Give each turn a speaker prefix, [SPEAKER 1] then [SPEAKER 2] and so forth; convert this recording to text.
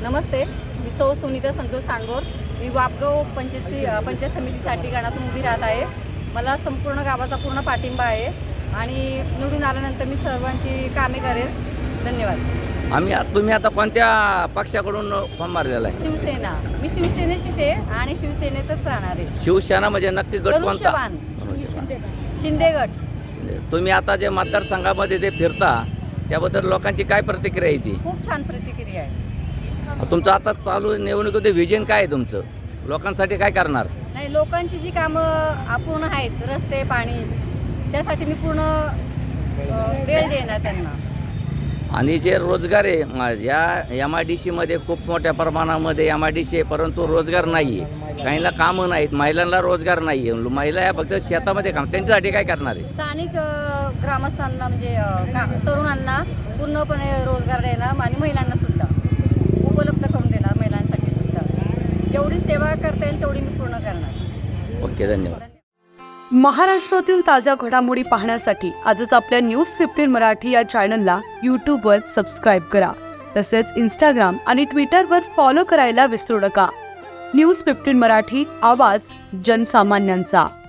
[SPEAKER 1] नमस्ते, मी सौ सुनीता संतोष सांडगोर. मी वापगाव पंचायत समितीसाठी गणातून उभी राहत आहे. मला संपूर्ण गावाचा पूर्ण पाठिंबा आहे आणि निवडून आल्यानंतर मी सर्वांची कामे करेल. धन्यवाद.
[SPEAKER 2] तुम्ही आता कोणत्या पक्षाकडून फॉर्म मारलेला आहे?
[SPEAKER 1] शिवसेना. मी शिवसेनेचीच आहे आणि शिवसेनेतच राहणार आहे.
[SPEAKER 2] शिवसेना म्हणजे नक्की गट कोणता?
[SPEAKER 1] शिंदे गट.
[SPEAKER 2] तुम्ही आता जे मतदारसंघामध्ये ते फिरता त्याबद्दल लोकांची काय प्रतिक्रिया आहे ती?
[SPEAKER 1] खूप छान प्रतिक्रिया आहे.
[SPEAKER 2] तुमचं आता चालू निवडणुकीमध्ये विजन काय आहे तुमचं? लोकांसाठी काय करणार?
[SPEAKER 1] नाही, लोकांची जी कामं अपूर्ण आहेत, रस्ते, पाणी, त्यासाठी मी पूर्ण वेळ देणार त्यांना.
[SPEAKER 2] आणि जे रोजगार आहे या MIDC खूप मोठ्या प्रमाणामध्ये MIDC आहे, परंतु रोजगार नाही आहे. काहींना कामं नाहीत, महिलांना रोजगार नाही आहे. महिला या फक्त शेतामध्ये काम, त्यांच्यासाठी काय करणार आहे?
[SPEAKER 1] स्थानिक ग्रामस्थांना म्हणजे तरुणांना पूर्णपणे रोजगार देणार आणि महिलांना सुद्धा उपलब्ध करून देणार. महिलांसाठी सुद्धा जेवढी सेवा करता येईल तेवढी मी पूर्ण करणार.
[SPEAKER 2] ओके, धन्यवाद.
[SPEAKER 3] महाराष्ट्रातील ताज्या घडामोडी पाहण्यासाठी आजच आपल्या न्यूज15 मराठी या चॅनलला यूट्यूबवर सबस्क्राईब करा. तसेच इंस्टाग्राम आणि ट्विटरवर फॉलो करायला विसरू नका. न्यूज15 मराठी, आवाज जनसामान्यांचा.